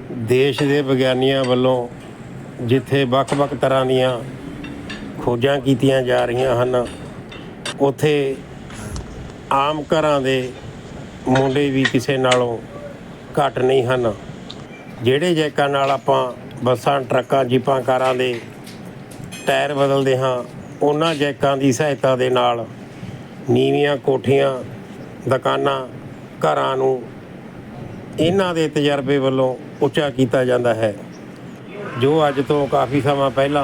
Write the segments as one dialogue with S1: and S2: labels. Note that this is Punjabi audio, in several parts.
S1: ਦੇਸ਼ ਦੇ ਵਿਗਿਆਨੀਆਂ ਵੱਲੋਂ ਜਿੱਥੇ ਵੱਖ-ਵੱਖ ਤਰ੍ਹਾਂ ਦੀਆਂ ਖੋਜਾਂ ਕੀਤੀਆਂ ਜਾ ਰਹੀਆਂ ਹਨ, ਉੱਥੇ ਆਮ ਘਰਾਂ ਦੇ ਮੁੰਡੇ ਵੀ ਕਿਸੇ ਨਾਲੋਂ ਘੱਟ ਨਹੀਂ ਹਨ। ਜਿਹੜੇ ਜੈਕਾਂ ਨਾਲ ਆਪਾਂ ਬੱਸਾਂ, ਟਰੱਕਾਂ, ਜੀਪਾਂ, ਕਾਰਾਂ ਦੇ ਟਾਇਰ ਬਦਲਦੇ ਹਾਂ, ਉਹਨਾਂ ਜੈਕਾਂ ਦੀ ਸਹਾਇਤਾ ਦੇ ਨਾਲ ਨੀਵੀਆਂ ਕੋਠੀਆਂ, ਦੁਕਾਨਾਂ, ਘਰਾਂ ਨੂੰ ਇਹਨਾਂ ਦੇ ਤਜਰਬੇ ਵੱਲੋਂ ਉੱਚਾ ਕੀਤਾ ਜਾਂਦਾ ਹੈ। ਜੋ ਅੱਜ ਤੋਂ ਕਾਫੀ ਸਮਾਂ ਪਹਿਲਾਂ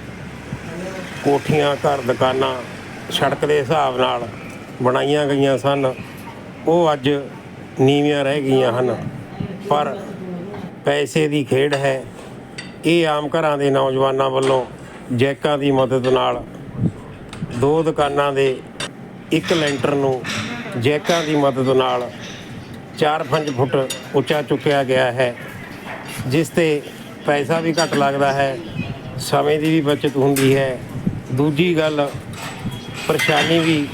S1: ਕੋਠੀਆਂ, ਘਰ, ਦੁਕਾਨਾਂ ਸੜਕ ਦੇ ਹਿਸਾਬ ਨਾਲ ਬਣਾਈਆਂ ਗਈਆਂ ਸਨ, ਉਹ ਅੱਜ ਨੀਵੀਆਂ ਰਹਿ ਗਈਆਂ ਹਨ। ਪਰ ਪੈਸੇ ਦੀ ਖੇਡ ਹੈ। ਇਹ ਆਮ ਘਰਾਂ ਦੇ ਨੌਜਵਾਨਾਂ ਵੱਲੋਂ ਜੈਕਾਂ ਦੀ ਮਦਦ ਨਾਲ 2 ਦੁਕਾਨਾਂ ਦੇ ਇੱਕ ਲੈਂਟਰ ਨੂੰ ਜੈਕਾਂ ਦੀ ਮਦਦ ਨਾਲ 4-5 ਫੁੱਟ ਉੱਚਾ ਚੁੱਕਿਆ ਗਿਆ ਹੈ, ਜਿਸ 'ਤੇ ਪੈਸਾ ਵੀ ਘੱਟ ਲੱਗਦਾ ਹੈ, ਸਮੇਂ ਦੀ ਵੀ ਬਚਤ ਹੁੰਦੀ ਹੈ। ਦੂਜੀ ਗੱਲ, ਪਰੇਸ਼ਾਨੀ ਵੀ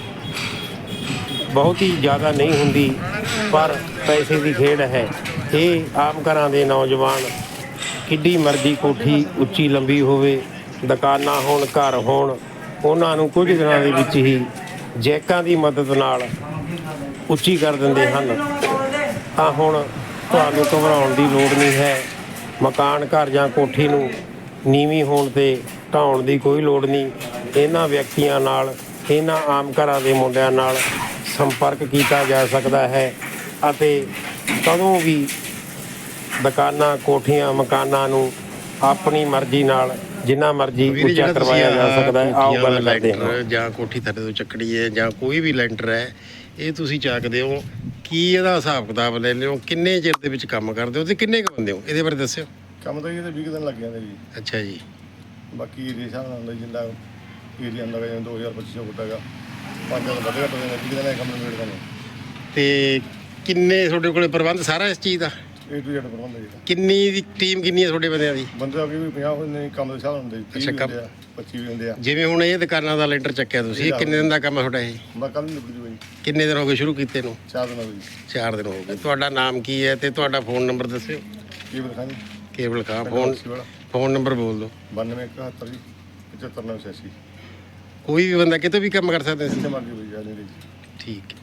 S1: ਬਹੁਤੀ ਜ਼ਿਆਦਾ ਨਹੀਂ ਹੁੰਦੀ, ਪਰ ਪੈਸੇ ਦੀ ਖੇਡ ਹੈ। ਇਹ ਆਮ ਘਰਾਂ ਦੇ ਨੌਜਵਾਨ ਕਿੱਡੀ ਮਰਜ਼ੀ ਕੋਠੀ ਉੱਚੀ ਲੰਬੀ ਹੋਵੇ, ਦੁਕਾਨਾਂ ਹੋਣ, ਘਰ ਹੋਣ, ਉਹਨਾਂ ਨੂੰ ਕੁਝ ਦਿਨਾਂ ਦੇ ਵਿੱਚ ਹੀ ਜੈਕਾਂ ਦੀ ਮਦਦ ਨਾਲ ਉੱਚੀ ਕਰ ਦਿੰਦੇ ਹਨ। ਤਾਂ ਹੁਣ ਤੁਹਾਨੂੰ ਘਬਰਾਉਣ ਦੀ ਲੋੜ ਨਹੀਂ ਹੈ। ਮਕਾਨ, ਘਰ ਜਾਂ ਕੋਠੀ ਨੂੰ ਨੀਵੀਂ ਹੋਣ 'ਤੇ ਢਾਉਣ ਦੀ ਕੋਈ ਲੋੜ ਨਹੀਂ। ਇਹਨਾਂ ਵਿਅਕਤੀਆਂ ਨਾਲ, ਇਹਨਾਂ ਆਮ ਘਰਾਂ ਦੇ ਮੁੰਡਿਆਂ ਨਾਲ ਸੰਪਰਕ ਕੀਤਾ ਜਾ ਸਕਦਾ ਹੈ ਅਤੇ ਕਦੋਂ ਵੀ ਦੁਕਾਨਾਂ, ਕੋਠੀਆਂ, ਮਕਾਨਾਂ ਨੂੰ ਆਪਣੀ ਮਰਜ਼ੀ ਨਾਲ ਜਿੰਨਾ ਮਰਜ਼ੀ ਉੱਚਾ ਕਰਵਾਇਆ ਜਾ ਸਕਦਾ ਹੈ। ਆਓ ਗੱਲ ਕਰਦੇ ਹਾਂ।
S2: ਜਾਂ ਕੋਠੀ ਥੱਲੇ ਤੋਂ ਚੱਕੜੀ ਹੈ ਜਾਂ ਕੋਈ ਵੀ ਲੈਂਟਰ ਹੈ, ਇਹ ਤੁਸੀਂ ਚੱਕਦੇ ਹੋ, ਕੀ ਇਹਦਾ ਹਿਸਾਬ ਕਿਤਾਬ ਲੈਂਦੇ ਹੋ, ਕਿੰਨੇ ਚਿਰ ਦੇ ਵਿੱਚ ਕੰਮ ਕਰਦੇ ਹੋ ਅਤੇ ਕਿੰਨੇ ਕੁ ਬੰਦੇ ਹੋ, ਇਹਦੇ ਬਾਰੇ ਦੱਸਿਓ।
S3: ਕੰਮ ਤਾਂ ਜੀ ਇਹਦੇ 20 ਦਿਨ ਲੱਗ ਜਾਂਦੇ ਜੀ।
S2: ਅੱਛਾ ਜੀ।
S3: ਬਾਕੀ ਏਰੀਆ ਹਿਸਾਬ ਨਾਲ ਹੁੰਦਾ, ਜਿੰਦਾ ਏਰੀਆ ਹੁੰਦਾ ਜਿਵੇਂ 2500 ਫੁੱਟ ਹੈਗਾ, 5 ਦਿਨ ਵੱਧ ਘੱਟ ਹੋ ਜਾਂਦੇ, 20 ਦਿਨ ਕੰਮ ਨਿਬੇੜਦੇ ਨੇ।
S2: ਅਤੇ ਕਿੰਨੇ ਤੁਹਾਡੇ ਕੋਲ ਪ੍ਰਬੰਧ ਸਾਰਾ ਇਸ ਚੀਜ਼ ਦਾ?
S3: A to Z ਪ੍ਰਬੰਧ ਹੈ ਜੀ।
S2: ਕਿੰਨੀ ਦੀ ਟੀਮ, ਕਿੰਨੀ ਹੈ ਤੁਹਾਡੇ ਬੰਦਿਆਂ ਦੀ?
S3: ਬੰਦੇ ਅੱਗੇ ਵੀ 50 ਹੁੰਦੇ ਨੇ, ਕੰਮ ਦੇ ਹਿਸਾਬ ਨਾਲ ਹੁੰਦੇ, 30 ਵੀ ਹੁੰਦੇ ਆ, 25 ਵੀ ਹੁੰਦੇ ਆ।
S2: ਜਿਵੇਂ ਹੁਣ ਇਹ ਦੁਕਾਨਾਂ ਦਾ ਲੈਂਟਰ ਚੱਕਿਆ ਤੁਸੀਂ, ਇਹ ਕਿੰਨੇ ਦਿਨ ਦਾ ਕੰਮ ਹੈ ਤੁਹਾਡਾ? ਇਹ
S3: ਮੈਂ ਕੱਲ੍ਹ ਨੂੰ ਨਿਬੜ ਜੂਗਾ ਜੀ।
S2: ਕਿੰਨੇ ਦਿਨ ਹੋ ਗਏ ਸ਼ੁਰੂ ਕੀਤੇ ਨੂੰ?
S3: 4 ਦਿਨ ਹੋ ਗਏ ਜੀ।
S2: 4 ਦਿਨ ਹੋ ਗਏ। ਤੁਹਾਡਾ ਨਾਮ ਕੀ ਹੈ ਅਤੇ ਤੁਹਾਡਾ ਫ਼ੋਨ ਨੰਬਰ ਦੱਸਿਓ।
S3: ਕੇਬਲ ਖਾਨ ਜੀ।
S2: ਕੇਬਲ ਖਾਂ। ਫ਼ੋਨ ਨੰਬਰ ਬੋਲ ਦਿਓ।
S3: 9271 ਜੀ 75 986।
S2: ਕੋਈ ਵੀ ਬੰਦਾ ਕਿਤੇ ਵੀ ਕੰਮ ਕਰ ਸਕਦਾ ਸੀ?
S3: ਜਿੱਥੇ ਮਰਜ਼ੀ ਹੋਈ ਜਾ ਨਹੀਂ ਜੀ।
S2: ਠੀਕ ਹੈ।